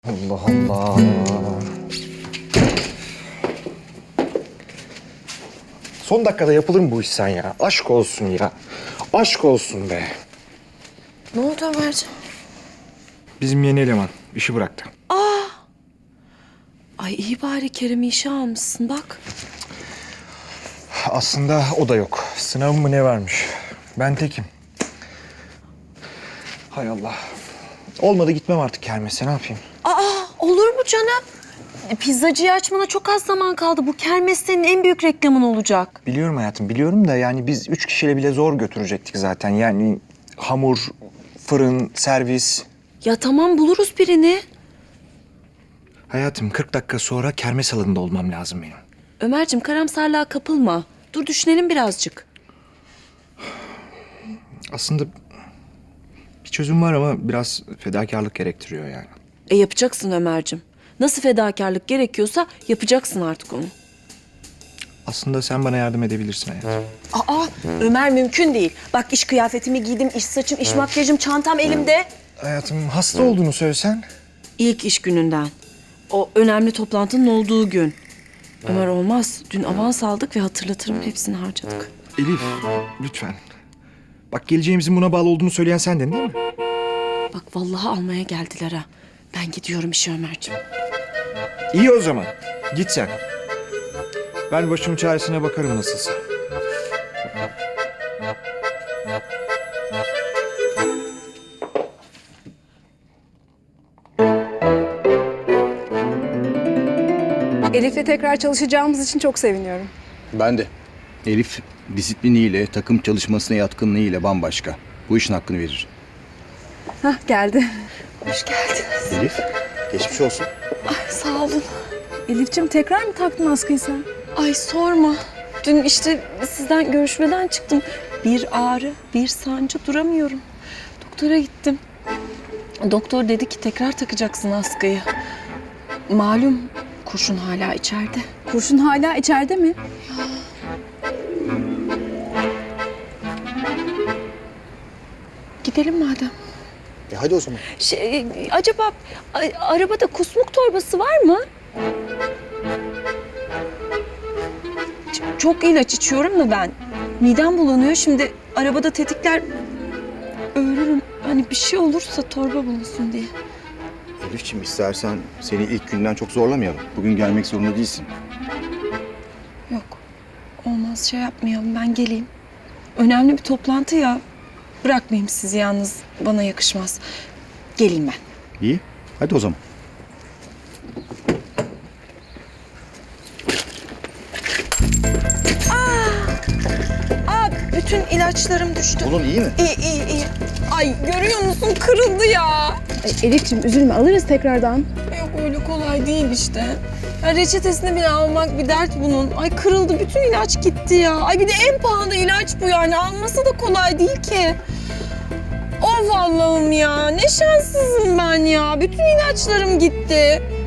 Allah Allah. Son dakikada yapılır mı bu iş sen ya? Aşk olsun ya. Aşk olsun be. Ne oldu Ömerciğim? Bizim yeni eleman işi bıraktı. Ay iyi bari Kerem'i işe almışsın bak. Aslında o da yok. Sınavı mı ne varmış? Ben tekim. Hay Allah. Olmadı gitmem artık kermese, ne yapayım? Olur mu canım? Pizzacıyı açmana çok az zaman kaldı. Bu kermes senin en büyük reklamın olacak. Biliyorum hayatım, biliyorum da yani biz 3 kişiyle bile zor götürecektik zaten. Yani hamur, fırın, servis. Ya tamam buluruz birini. Hayatım 40 dakika sonra kermes alanında olmam lazım benim. Ömerciğim karamsarlığa kapılma. Dur düşünelim birazcık. Aslında bir çözüm var ama biraz fedakarlık gerektiriyor yani. Yapacaksın Ömerciğim. Nasıl fedakarlık gerekiyorsa yapacaksın artık onu. Aslında sen bana yardım edebilirsin hayatım. Ömer mümkün değil. Bak iş kıyafetimi giydim, iş saçım, iş makyajım, çantam elimde. Hayatım hasta olduğunu söylesen. İlk iş gününden. O önemli toplantının olduğu gün. Ömer olmaz. Dün avans aldık ve hatırlatırım hepsini harcadık. Elif lütfen. Bak geleceğimizin buna bağlı olduğunu söyleyen sendin değil mi? Bak vallahi almaya geldiler ha. Ben gidiyorum işe Ömerciğim. İyi o zaman. Git sen. Ben başım çaresine bakarım nasılsa. Elif'le tekrar çalışacağımız için çok seviniyorum. Ben de. Elif disipliniyle, takım çalışmasına yatkınlığıyla bambaşka. Bu işin hakkını verir. Hah geldi. Hoş geldiniz. Elif, geçmiş olsun. Ay sağ olun. Elif'ciğim tekrar mı taktın askıyı sen? Ay sorma. Dün işte sizden görüşmeden çıktım. Bir ağrı, bir sancı duramıyorum. Doktora gittim. Doktor dedi ki tekrar takacaksın askıyı. Malum kurşun hala içeride. Kurşun hala içeride mi? Gidelim madem. Hadi o zaman. Acaba arabada kusmuk torbası var mı? Çok ilaç içiyorum da ben. Midem bulanıyor. Şimdi arabada tetikler ölürüm. Hani bir şey olursa torba bulunsun diye. Elif'ciğim istersen seni ilk günden çok zorlamayalım. Bugün gelmek zorunda değilsin. Yok. Olmaz şey yapmayalım. Ben geleyim. Önemli bir toplantı ya. Bırakmayayım sizi yalnız. Bana yakışmaz. Geleyim ben. İyi, hadi o zaman. Bütün ilaçlarım düştü. Oğlum iyi mi? İyi. Ay görüyor musun? Kırıldı ya. Ay, Elif'ciğim üzülme alırız tekrardan. Yok öyle kolay değil işte. Ya reçetesini bile almak bir dert bunun. Ay kırıldı, bütün ilaç gitti ya. Ay bir de en pahalı ilaç bu yani. Alması da kolay değil ki. Of Allah'ım ya. Ne şanssızım ben ya. Bütün ilaçlarım gitti.